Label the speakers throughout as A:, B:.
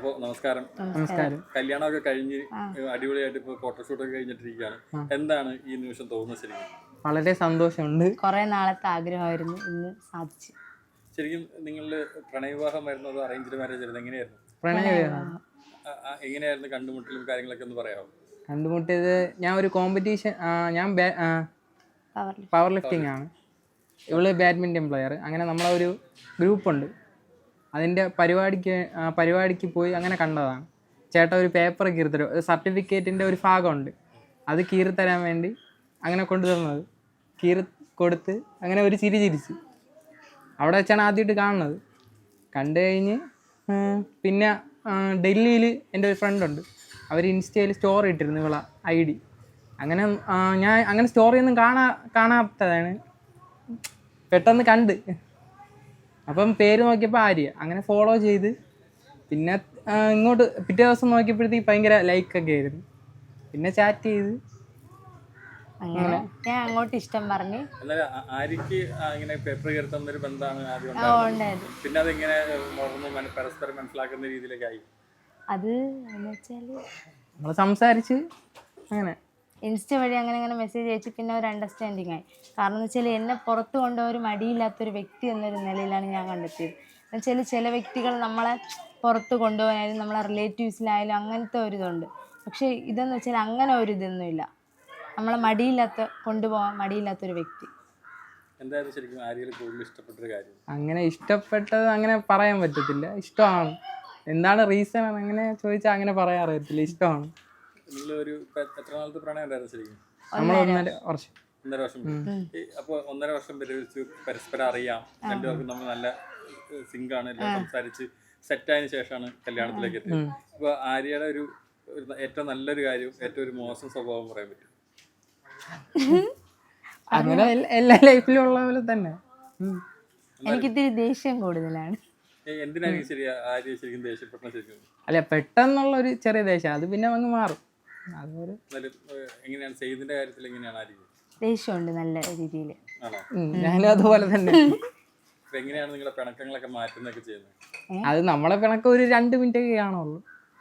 A: അപ്പോൾ നമസ്കാരം.
B: നമസ്കാരം.
A: കല്യാണമൊക്കെ കഴിഞ്ഞ് അടിപൊളിയായിട്ട് ഇപ്പോൾ ഫോട്ടോഷൂട്ടൊക്കെ കഴിഞ്ഞിട്ടിരിക്കുകയാണ്. എന്താണ് ഈ നിമിഷം തോന്നുന്നത് ശരിക്കും?
B: വളരെ സന്തോഷമുണ്ട്.
C: കുറെ നാളത്തെ ആഗ്രഹമായിരുന്നു, ഇന്ന് സാധിച്ചു.
A: ശരിക്കും നിങ്ങളുടെ പ്രണയവിവാഹം വരുന്നത് അറേഞ്ച്ഡ് മാരേജ് ആയിരുന്നു? എങ്ങനെയായിരുന്നു?
B: പ്രണയവിവാഹം
A: എങ്ങനെയായിരുന്നു കണ്ടുമുട്ടലും കാര്യങ്ങളൊക്കെ ഒന്ന് പറയാമോ?
B: കണ്ടുമുട്ടിയത് ഞാൻ ഒരു കോമ്പറ്റീഷൻ, ഞാൻ പവർ ലിഫ്റ്റിംഗ് ആണ്, ഇവള് ബാഡ്മിൻ്റൺ പ്ലെയർ. അങ്ങനെ നമ്മളെ ഒരു ഗ്രൂപ്പുണ്ട്, അതിൻ്റെ പരിപാടിക്ക് പോയി അങ്ങനെ കണ്ടതാണ്. ചേട്ടൻ ഒരു പേപ്പർ കീറിത്തരും, സർട്ടിഫിക്കറ്റിൻ്റെ ഒരു ഭാഗമുണ്ട്, അത് കീറിത്തരാൻ വേണ്ടി അങ്ങനെ കൊണ്ടുതന്നത്. കൊടുത്ത് അങ്ങനെ ഒരു ചിരിച്ചു. അവിടെ വെച്ചാണ് ആദ്യമായിട്ട് കാണുന്നത്. കണ്ടു കഴിഞ്ഞ് പിന്നെ ഡൽഹിയിൽ എൻ്റെ ഒരു ഫ്രണ്ടുണ്ട്, അവർ ഇൻസ്റ്റയിൽ സ്റ്റോറി ഇട്ടിരുന്നു ഇവളെ ID. അങ്ങനെ ഞാൻ അങ്ങനെ സ്റ്റോറിയൊന്നും കാണാത്തതാണ്, പെട്ടെന്ന് കണ്ട്. അപ്പം പേര് നോക്കിയപ്പോൾ ആര്യ. അങ്ങനെ ഫോളോ ചെയ്ത് പിന്നെ ഇങ്ങോട്ട് പിറ്റേ ദിവസം നോക്കിയപ്പോഴത്തേക്ക് ഭയങ്കര ലൈക്കൊക്കെ ആയിരുന്നു. പിന്നെ ചാറ്റ് ചെയ്ത്
C: അങ്ങനെ ഞാൻ അങ്ങോട്ട് ഇഷ്ടം പറഞ്ഞു.
A: ആര്യക്ക് ഇങ്ങനെ പേപ്പർ കയറുന്നൊരു ബന്ധമാണ് ആദ്യം ഉണ്ടായത്. പിന്നെ അതെങ്ങനെ പരസ്പരം മനസ്സിലാക്കുന്ന രീതിയിലേക്ക് ആയി?
C: അത് എന്ന് വെച്ചാല്
B: നമ്മൾ സംസാരിച്ച് അങ്ങനെ
C: ഇൻസ്റ്റ വഴി അങ്ങനെ മെസ്സേജ് അയച്ച് പിന്നെ ഒരു അണ്ടർസ്റ്റാൻഡിങ് ആയി. കാരണം എന്ന് വെച്ചാൽ എന്നെ പുറത്ത് കൊണ്ടുപോയൊരു മടിയില്ലാത്തൊരു വ്യക്തി എന്നൊരു നിലയിലാണ് ഞാൻ കണ്ടെത്തിയത്. എന്നുവെച്ചാൽ ചില വ്യക്തികൾ നമ്മളെ പുറത്ത് കൊണ്ടുപോകാനായാലും നമ്മളെ റിലേറ്റീവ്സിലായാലും അങ്ങനത്തെ ഒരു ഇതുണ്ട്. പക്ഷേ ഇതെന്ന് വെച്ചാൽ അങ്ങനെ ഒരു ഇതൊന്നുമില്ല, നമ്മളെ കൊണ്ടുപോകാൻ മടിയില്ലാത്തൊരു വ്യക്തി.
A: എന്തായാലും ശരിക്കും ആര്യയിൽ കൂടുതൽ ഇഷ്ടപ്പെട്ടൊരു കാര്യം?
B: അങ്ങനെ ഇഷ്ടപ്പെട്ടത് അങ്ങനെ പറയാൻ പറ്റത്തില്ല, ഇഷ്ടമാണ്. എന്താണ് റീസൺ അങ്ങനെ ചോദിച്ചാൽ അങ്ങനെ പറയാൻ അറിയത്തില്ല, ഇഷ്ടമാണ്.
A: എത്ര നാളത്തെ പ്രണയം ഉണ്ടായിരുന്നു ശരിക്കും?
B: നമ്മൾ 1.5 വർഷം.
A: 1.5 വർഷം. അപ്പോൾ 1.5 വർഷം പരസ്പരം അറിയാം, രണ്ടുപേർക്കും നമ്മൾ നല്ല സിങ്കാണ്, എല്ലാം സംസാരിച്ച് സെറ്റായതിനു ശേഷമാണ് കല്യാണത്തിലേക്ക് എത്തിയത്. അപ്പോൾ ആര്യയുടെ ഒരു ഏറ്റവും നല്ലൊരു കാര്യം, ഏറ്റവും ഒരു മോശം സ്വഭാവം പറയാൻ പറ്റും?
B: അങ്ങനെ എല്ലാ ലൈഫിലും ഉള്ള പോലെ തന്നെ
C: എനിക്കിത്തിരി ദേഷ്യം കൂടുതലാണ്.
A: എന്തിനാണ് ആര്യ ശരിക്കും ദേഷ്യപ്പെട്ട? ശരിക്കും
B: അല്ല, പെട്ടെന്നുള്ള ഒരു ചെറിയ ദേഷ്യം, അത് പിന്നെ അങ്ങ് മാറും.
A: എങ്ങനെയാണ് സെയ്ദിന്റെ കാര്യത്തിൽ എങ്ങനെയാണ് ആര്യ?
C: ദേഷ്യമുണ്ട് നല്ല രീതിയിൽ.
A: ആണോ?
B: ഞാനും അതുപോലെ തന്നെ.
A: എങ്ങനെയാണ് നിങ്ങളുടെ പിണക്കങ്ങളൊക്കെ മാറ്റുന്നൊക്കെ ചെയ്യുന്നത്?
B: അത് നമ്മളെ പിണക്കം ഒരു 2 മിനിറ്റ് ഒക്കെ കാണുള്ളൂ.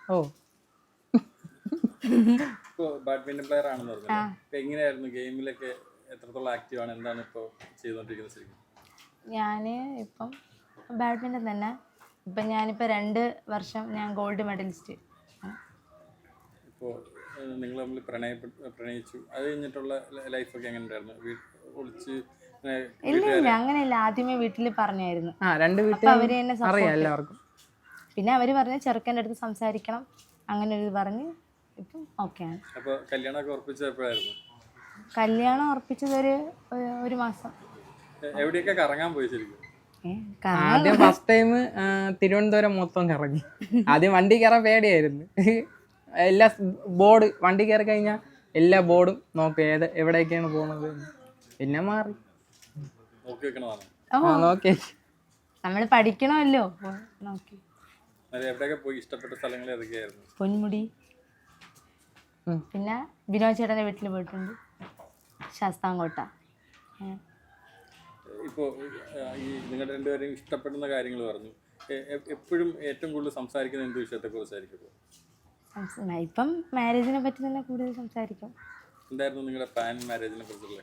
A: ഇപ്പോൾ ബാഡ്മിന്റൺ പ്ലെയർ ആണെന്ന് പറഞ്ഞു, എങ്ങനെയായിരുന്നു ഗെയിമിലൊക്കെ എത്രത്തോളം ആക്റ്റീവ് ആണ്, എന്താണ് ഇപ്പോൾ ചെയ്തുകൊണ്ടിരിക്കുന്നത് ശരിക്കും?
C: ഞാൻ ഇപ്പം ബാഡ്മിൻ്റൺ തന്നെ. ഇപ്പം ഞാനിപ്പോൾ 2 വർഷം ഞാൻ ഗോൾഡ് മെഡലിസ്റ്റ്.
A: ഇപ്പോൾ നിങ്ങൾ തമ്മിൽ പ്രണയിച്ചു, അത് കഴിഞ്ഞിട്ടുള്ള ലൈഫൊക്കെ എങ്ങനെ ഉണ്ടായിരുന്നു? ഒളിച്ച്
C: ഇല്ല അങ്ങനെയല്ല, ആദ്യമേ വീട്ടിൽ പറഞ്ഞായിരുന്നു.
B: അപ്പോൾ
C: അവര് തന്നെ
B: എല്ലാവർക്കും.
C: പിന്നെ അവർ പറഞ്ഞ് ചെറുക്കൻ്റെ അടുത്ത് സംസാരിക്കണം, അങ്ങനെ ഒരു ഇത് പറഞ്ഞ് ഇപ്പം ഓക്കെയാണ്.
A: അപ്പോൾ കല്യാണമൊക്കെ ഉറപ്പിച്ചത് എപ്പോഴായിരുന്നു?
C: കല്യാണം ഉറപ്പിച്ചത് ഒരു മാസം.
A: എവിടെയൊക്കെ കറങ്ങാൻ പോയി ശരിക്കും?
B: ആദ്യം ഫസ്റ്റ് ടൈം തിരുവനന്തപുരം മൊത്തം കറങ്ങി. ആദ്യം വണ്ടി കയറാൻ പേടിയായിരുന്നു. എല്ലാ ബോർഡ് വണ്ടി കയറി കഴിഞ്ഞാൽ എല്ലാ ബോർഡും നോക്കും, എവിടേക്കാണ് പോകുന്നത്. പിന്നെ മാറി നോക്കി
C: നമ്മൾ പഠിക്കണമല്ലോ നോക്കി.
A: ഇഷ്ടപ്പെട്ട സ്ഥലങ്ങൾ ഏതൊക്കെയായിരുന്നു?
C: പൊന്മുടി, പിന്നെ വിനോദ് ചേട്ടൻ്റെ വീട്ടിൽ പോയിട്ടുണ്ട്, ശാസ്താംകോട്ട.
A: ഇപ്പോൾ ഈ നിങ്ങളുടെ രണ്ടുപേരെയും ഇഷ്ടപ്പെടുന്ന കാര്യങ്ങൾ പറഞ്ഞു. എപ്പോഴും ഏറ്റവും കൂടുതൽ സംസാരിക്കുന്ന എന്ത് വിഷയത്തെക്കുറിച്ചായിരിക്കും?
C: ഇപ്പം മാരേജിനെ പറ്റി തന്നെ കൂടുതൽ സംസാരിക്കും.
A: എന്തായിരുന്നു നിങ്ങളുടെ പ്ലാൻ മാരേജിനെ കുറിച്ചുള്ള?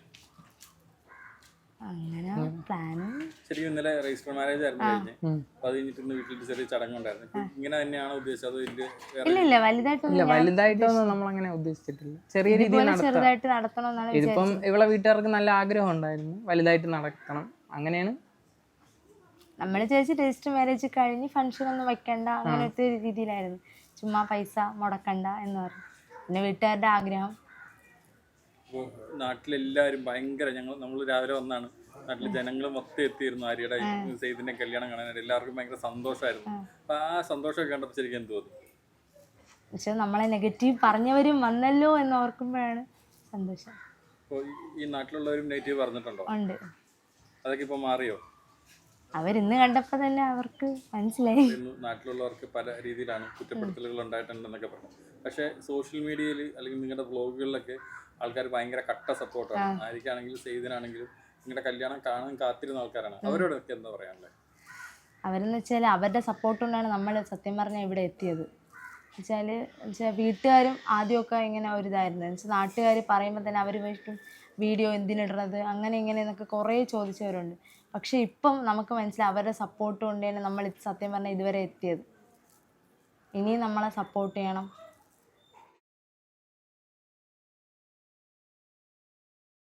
C: അങ്ങനെ പ്ലാനും
A: ശരിക്കും ഇന്നലെ രജിസ്റ്റർ മാരേജ് ആയിരുന്നു കഴിഞ്ഞ്. അപ്പോൾ അത് കഴിഞ്ഞിട്ട് ഇന്ന് വീട്ടിൽ ചെറിയ ചടങ്ങുണ്ടായിരുന്നു. ഇങ്ങനെ തന്നെയാണോ ഉദ്ദേശിച്ചത്?
C: ഇല്ല
B: വലുതായിട്ടൊന്നും നമ്മളങ്ങനെ ഉദ്ദേശിച്ചിട്ടില്ല, ചെറിയ രീതിയിൽ
C: ചെറുതായിട്ട് നടത്തണം.
B: ഇതിപ്പം ഇവളെ വീട്ടുകാർക്ക് നല്ല ആഗ്രഹം ഉണ്ടായിരുന്നു, വലുതായിട്ട് നടക്കണം. അങ്ങനെയാണ്
C: നമ്മൾ ചോദിച്ചു. രജിസ്റ്റർ മാരേജ് കഴിഞ്ഞ് ഫംഗ്ഷൻ ഒന്നും വെക്കണ്ട, അങ്ങനത്തെ ഒരു രീതിയിലായിരുന്നു. ചുമ്മാ പൈസ മുടക്കണ്ട എന്ന് പറഞ്ഞു. പിന്നെ വീട്ടുകാരുടെ ആഗ്രഹം.
A: നാട്ടിലെല്ലാവരും ഭയങ്കര, നമ്മൾ രാവിലെ വന്നാണ്, നാട്ടിലെ ജനങ്ങൾ മൊത്തം എത്തിയിരുന്നു ആര്യയുടെ സെയ്ദിന്റെ കല്യാണം കാണാനായിട്ട്. എല്ലാവർക്കും ഭയങ്കര സന്തോഷമായിരുന്നു. അപ്പൊ ആ സന്തോഷമൊക്കെ കണ്ടപ്പോൾ ശരിക്കും എന്ത് തോന്നി?
C: പക്ഷെ നമ്മളെ നെഗറ്റീവ് പറഞ്ഞവരും വന്നല്ലോ എന്ന് ഓർക്കുമ്പോഴാണ് സന്തോഷം.
A: അപ്പോൾ ഈ നാട്ടിലുള്ളവരും നെഗറ്റീവ് പറഞ്ഞിട്ടുണ്ടോ?
C: ഉണ്ട്.
A: അതൊക്കെ ഇപ്പൊ മാറിയോ?
C: അവരിന്ന് കണ്ടപ്പോൾ തന്നെ അവർക്ക് മനസ്സിലായി.
A: നാട്ടിലുള്ളവർക്ക് പല രീതിയിലാണ് കുറ്റപ്പെടുത്തലുകൾ ഉണ്ടായിട്ടുണ്ടെന്നൊക്കെ പറഞ്ഞു. പക്ഷേ സോഷ്യൽ മീഡിയയിൽ അല്ലെങ്കിൽ നിങ്ങളുടെ വ്ളോഗുകളിലൊക്കെ ആൾക്കാർ ഭയങ്കര കട്ട സപ്പോർട്ടാണ്. ആർക്കാണെങ്കിലും സെയ്ദിനാണെങ്കിലും നിങ്ങളുടെ കല്യാണം കാണാൻ കാത്തിരുന്ന ആൾക്കാരാണ്. അവരോടൊക്കെ എന്താ പറയാനുള്ളത്?
C: അവരെന്ന് വെച്ചാൽ അവരുടെ സപ്പോർട്ട് കൊണ്ടാണ് നമ്മൾ സത്യം പറഞ്ഞാൽ ഇവിടെ എത്തിയത്. വെച്ചാൽ വീട്ടുകാരും ആദ്യമൊക്കെ ഇങ്ങനെ ഒരിതായിരുന്നു. എന്നുവെച്ചാൽ നാട്ടുകാർ പറയുമ്പോൾ തന്നെ അവർ വീട്ടും വീഡിയോ എന്തിനിടണത് അങ്ങനെ ഇങ്ങനെ എന്നൊക്കെ കുറേ ചോദിച്ചവരുണ്ട്. പക്ഷേ ഇപ്പം നമുക്ക് മനസ്സിലായി അവരുടെ സപ്പോർട്ട് കൊണ്ട് തന്നെ നമ്മൾ സത്യം പറഞ്ഞാൽ ഇതുവരെ എത്തിയത്. ഇനിയും നമ്മളെ സപ്പോർട്ട് ചെയ്യണം.